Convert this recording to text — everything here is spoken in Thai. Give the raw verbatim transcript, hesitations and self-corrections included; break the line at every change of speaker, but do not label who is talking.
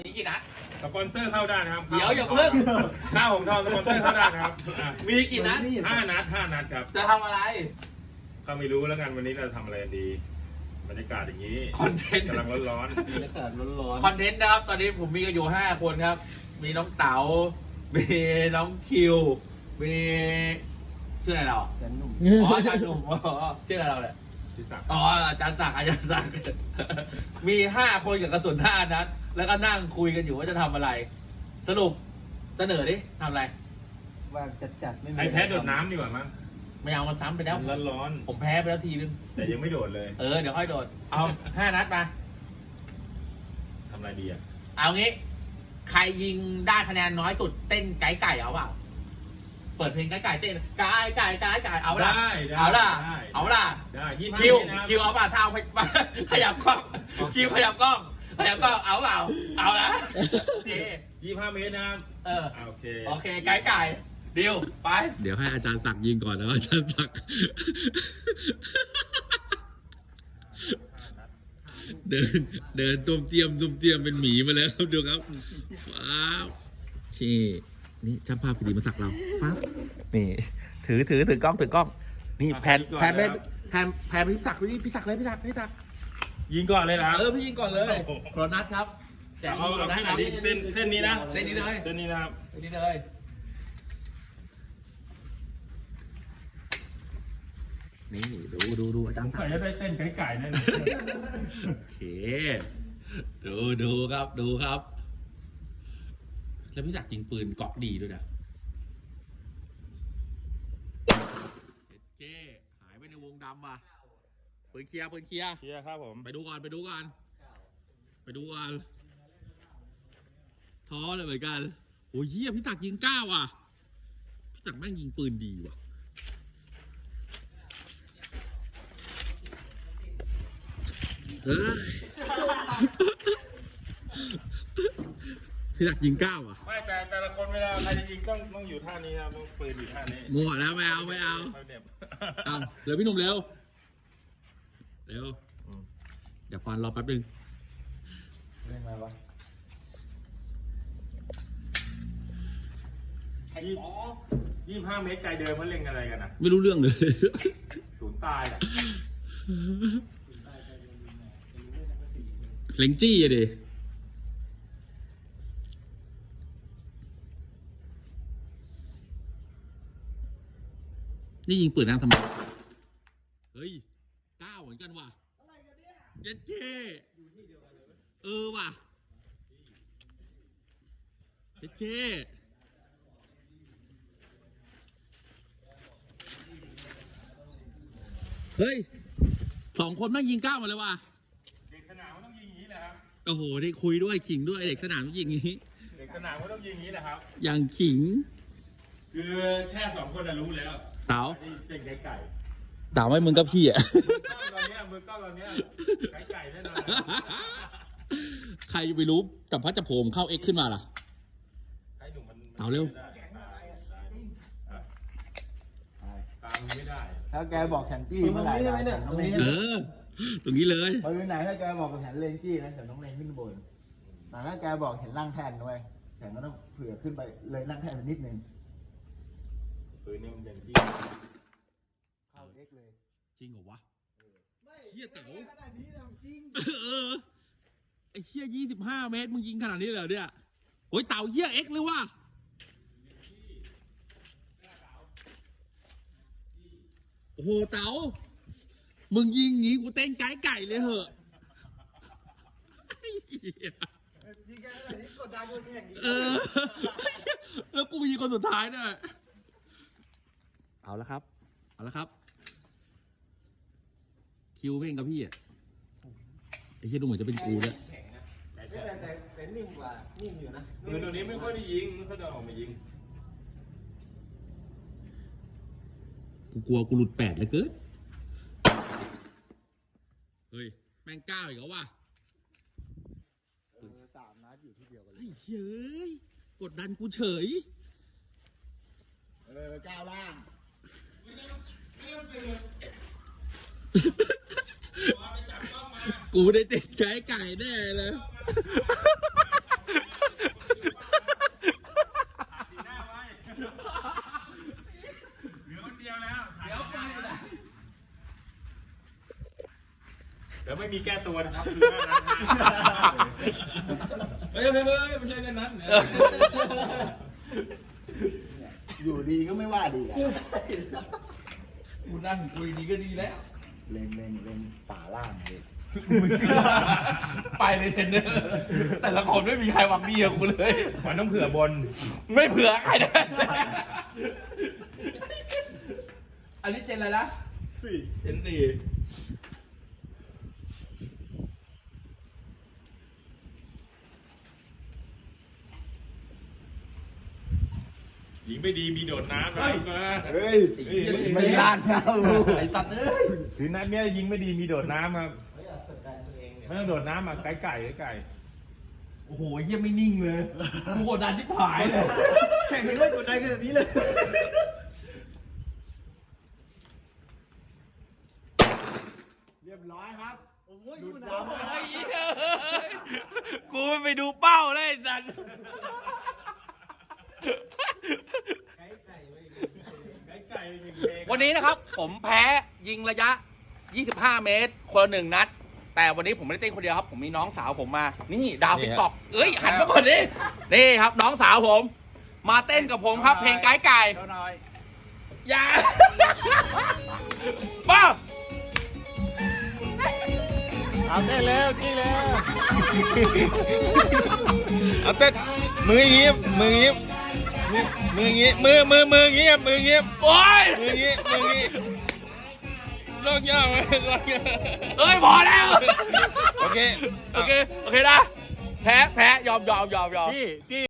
มีกี่นัด
สปอนเซอร์เข้าได้นะครับ
เดี๋ยวอย่าเพิ่ง
ข้าวของทองสปอนเซอร์เข้าได้นะครับ
มีกี่นัด
ห้านัดห้านัดครับ
จะทำอะไร
ก็ไม่รู้แล้วกันวันนี้เราทำอะไรกันดีบรรยากาศอย่างนี้
คอนเทนต์
กำลังร้อน
ๆบรรยากาศร้อน
ๆคอนเทนต์นะครับตอนนี้ผมมีกันอยู่ห้าคนครับมีน้องเต๋ามีน้องคิวมีชื่ออะไรเรา
ๆแต่หนุ่ม
อ๋ออาจารย์หนุ่มอ๋อชื่ออะไรเราเนี่ยอ๋ออาจารย์ศักดิ์อาจารย์ศักดิ์มีห้าคนกับกระสุนห้านัดแล้วก็นั่งคุยกันอยู่ว่าจะทำอะไรสรุปเสนอดิทำอะไร
ว่าจัดจัดไม่มี
ไอแพ้โดดน้ำดีกว่ามั้ง
ไม่เอามันซ้ำไปแล้ว
ร้อนร้อน
ผมแพ้ไปแล้วทีนึง
แต่ยังไม่โดดเลย
เออเดี๋ยวค่อยโดดเอาห้านัดมา
ทำอะไรดีอ่ะ
เอางี้ใครยิงได้คะแนนน้อยสุดเต้นไก่ไก่เอาเปล่าเปิดเพลงไก่ไก่เต้นไก่ไก่ไก่ไก่เอาละเอาละเอาละ
ได้ยี่
คิวคิวเอาเปล่าเท้าขยับกล้องคิวขยับกล้องขยับกล้องเอาเปล่าเอาละโอเค
ยี่ห้าเมตรนะครับ
เออ
โอเค
โอเคไก่ไก่ดิวไป
เดี๋ยวให้อาจารย์ศักดิ์ยิงก่อนนะอาจารย์ศักดิ์เดินเดินตุ้มเตียมตุ้มเตียมเป็นหมีมาแล้วครับดูครับฟ้าที่นี่ช่างภาพพอดีมาสักเราฟ้านี่ถือถือถือกล้องถือกล้องนี่แผ่นแผ่นแผ่นแผ่นพี่ศักดิ์พี่พี่ศักดิ์เลยพี่ศักดิ์พี่ศักดิ์
ยิงก่อนเลยนะ
เออพี่ยิงก่อนเลยโครนัทครับ
เอาเอาแค่ไหนดีเส้นเส้นนี้นะ
เส้นนี้เลย
เส้นนี้นะครับ
เส้นนี้เลย
นี่ดูดูดูอาจารย์
ใครจะได้เต้นไก่ไก่นั่น
โอเคดูดูครับดูครับแล้วพี่ศักดิ์ยิงปืนเกาะดีด้วยนะเจ๊หายไปในวงดำว่ะปืนเคลียร์ปืนเคลียร์
เคลียร์ครับผม
ไปดูก่อนไปดูก่อนไปดูก่อนท้อเลยเหมือนกันโอ้ยเหี้ยพี่ศักดิ์ยิงเก้าว่ะพี่ศักดิ์แม่งยิงปืนดีว่ะเออพี่ศักดิ์ยิงเก้าอ่ะ
ไม่แต่แต่ละคนเวลาใครจะยิงต้องต้องอยู่ท่านี้ครับต้องปืนอยู่ท่านี้
มัวแล้วไม่เอาไม่เอาเอาเร็วพี่หนุ่มเร็วเร็วเดี๋ยวฟันรอแป๊บนึง
เล่นอะไรวะ
ยี่ยี่ห้าเมตรใจเดิมเขาเล่นอะไรกันนะ
ไม่รู้เรื่องเลย
ศูนย์ตายอ่ะ
เล็งจี้อะดินี่ยิงปืนนั่งทำไมเฮ้ยเก้าเหมือนกันว่ะเย็ดเจ้เออว่ะเย็ดเจ้เฮ้ยสองคนแม่งยิงเก้าหมดเลยว่ะ
เด็กสนามมันต้องยิงอย่างนี้แหละครับ
โอ้โหได้คุยด้วยขิงด้วยเด็กสนามต้องยิงอย่างนี้
เด็กสนามมันต้องยิงอย่างนี้แหละครับ
อย่างขิง
คือแค่สองคนรู้แล้ว
เต๋า
เป็นไก่ไก่
เต๋าไม่มึงกับพี่อ่ะ
ตอนนี้มือก้อนตอนนี้ไก่ไก่แน่นอน
ใครไปรู้กับพระจักรพรมเข้าเอ็กขึ้นมาล่ะเต๋าเร็ว
ตามไม่ได้
ถ้าแกบอกแขนจี้เมื่อไหร่ได้แต่ต้องเล่น
เออตรงนี้เลย
พออยู่ไหนถ้าแกบอกแขนเลนจี้นะแต่ต้องเล่นขึ้นบนแต่ถ้าแกบอกเห็นล่างแทนด้วยแขนก็ต้องเผื่อขึ้นไปเลยล่างแทนไปนิดนึง
ปืนนี่มันเป็นที่
เข้าเอ็กเลย
จริงเหรอวะเฮียเต๋า
ขนาดนี้จริง
เออไอ้เฮียยี่สิบห้าเมตรมึงยิงขนาดนี้เลยเนี่ยโอ้ยเต๋าเฮียเอ็กเลยว่ะโอ้โหเต๋ามึงยิงงี้กูเต้นไก่ไก่เลยเหอะ
ยิงแกขนาดนี้กดดันคนแข่ง
เออแล้วกูยิงคนสุดท้ายเนี่ยเอาละครับเอาละครับคิวเพ่งกับพี่อ่ะไอ้เชี่ยดูเหมือนจะเป็นกูแล้ว
แต่แต่แต่นิ่งกว่านิ่งอยู่นะ
ปืนตัวนี้ไม่ค่อยได้ยิงไม่ค่อยจะออกมายิง
กูกลัวกูหลุดแปดเลยเกินเฮ้ยแม่งเก้าอีกแล้วว่ะ
เออสามนัดอยู่ที่เดียวกันเลย
ไอ้เฮ้ยกดดันกูเฉย
เออก้าวล่าง
กูได้ติดไก่ไก่แน่เลย
มีแก้ตัวนะครับคือหน้านั้น
เฮ้ยเฮ้ยเฮ้ยไม่ใช่แค่นั้น
อยู่ดีก็ไม่ว่าดีอ่ะ
กูนั่งคุยดีก็ดีแล้ว
เล็งเล็งเล็งฝาล่างเลย
ไปเลยเทรนเนอร์แต่ละคนไม่มีใครหวังดีกับกูเลย
มันต้องเผื่อบน
ไม่เผื่อใครนะอันนี้เจนอะไรนะ
สี่
เจนสี่
ยิงไม่ดีมีโดดน้ำนะมา
เฮ้ยไม่ลานนะ
ไอ้ตัดเอ้ย
คือนัดเนี้ยยิงไม่ดีมีโดดน้ำครับไม่ต้องโดดน้ำอ่ะไก่ไก่ไก่ไก่
โอ้โหเยี่ยไม่นิ่งเลยกูกดดันชิบหายเลย
แข่งกันไม่กดดันขนาดนี้เลย เรียบร้อยครับ โอ้ยดูดำ
ไอ้เหี้ยกูไม่ไปดูเป้าเลยไอ้สัน
ไก่ไก่ยิงเอง
วันนี้นะครับ ผมแพ้ยิงระยะ ยี่สิบห้า เมตร คนละหนึ่งนัด แต่วันนี้ผมไม่ได้เต้นคนเดียวครับ ผมมีน้องสาวผมมา นี่ดาวติ๊กต็อกเอ้ย หันมาก่อนดิ นี่ครับน้องสาวผม มาเต้นกับผมครับ เพลงไก่ไก่
เจ้าน้อย
อย่าป้า
เอาเต้นแล้วจี้แล้วเอาเต้นมืออย่างงี้มืออย่างงี้มืออย่างงี้มือมือมืออย่างงี้มืออย่างงี้
โอ้ย
มืออย่างงี้มืออย่างงี้ลอกยากไหมลอกยาก
เอ้ย พอแล้ว
โอเค
โอเค โอเคนะ แพ้ แพ้ ยอมยอมยอมยอม
จี้จี้